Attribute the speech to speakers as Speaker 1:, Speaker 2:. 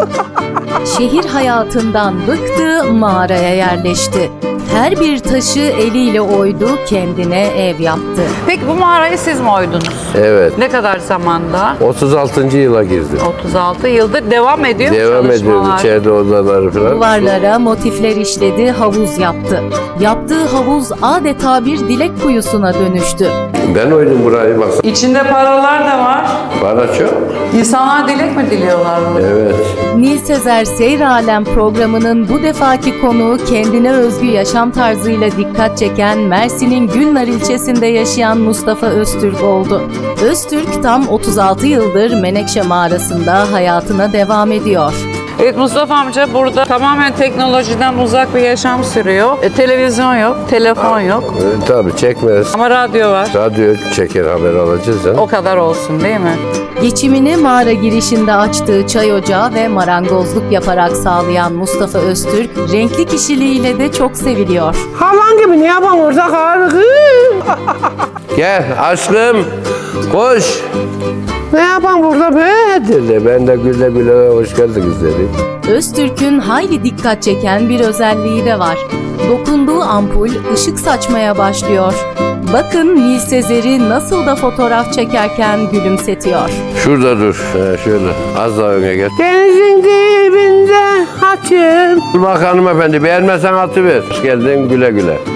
Speaker 1: Şehir hayatından bıktı, mağaraya yerleşti. Her bir taşı eliyle oydu, kendine ev yaptı.
Speaker 2: Peki bu mağarayı siz mi oydunuz?
Speaker 3: Evet.
Speaker 2: Ne kadar zamanda?
Speaker 3: 36. yıla girdim.
Speaker 2: 36 yıldır devam ediyor mu
Speaker 3: Devam ediyorum
Speaker 2: çalışmalar?
Speaker 3: içeride odaları falan.
Speaker 1: Duvarlara motifler işledi, havuz yaptı. Yaptığı havuz adeta bir dilek kuyusuna dönüştü.
Speaker 3: Ben oydum burayı bak.
Speaker 2: İçinde paralar da var.
Speaker 3: Para çok.
Speaker 2: İnsanlar dilek mi diliyorlar burada?
Speaker 3: Evet.
Speaker 1: Nil Sezer Seyr Alem programının bu defaki konuğu kendine özgü yaşam tarzıyla dikkat çeken Mersin'in Gülnar ilçesinde yaşayan Mustafa Öztürk oldu. Öztürk tam 36 yıldır Menekşe mağarasında hayatına devam ediyor.
Speaker 2: Evet Mustafa amca burada tamamen teknolojiden uzak bir yaşam sürüyor. Televizyon yok, telefon yok
Speaker 3: Tabii çekmez.
Speaker 2: ama radyo var.
Speaker 3: Radyo çeker haber alacağız ha.
Speaker 2: O kadar olsun değil mi?
Speaker 1: Geçimini mağara girişinde açtığı çay ocağı ve marangozluk yaparak sağlayan Mustafa Öztürk, renkli kişiliğiyle de çok seviliyor.
Speaker 4: Havan gibi ne yapan orada karı?
Speaker 3: Gel aşkım. Koş.
Speaker 4: Ne yapan burada be?
Speaker 3: Dedi. Ben de güle güle hoş geldiniz dedi.
Speaker 1: Öztürk'ün hayli dikkat çeken bir özelliği de var. Dokunduğu ampul ışık saçmaya başlıyor. Bakın Nil Sezer'i nasıl da fotoğraf çekerken gülümsetiyor.
Speaker 3: Şurada dur. Şöyle. Az daha öne gel.
Speaker 4: Denizin dibinde açım.
Speaker 3: Dur bak hanımefendi. Beğenmezsen atıver. Hoş geldin güle güle.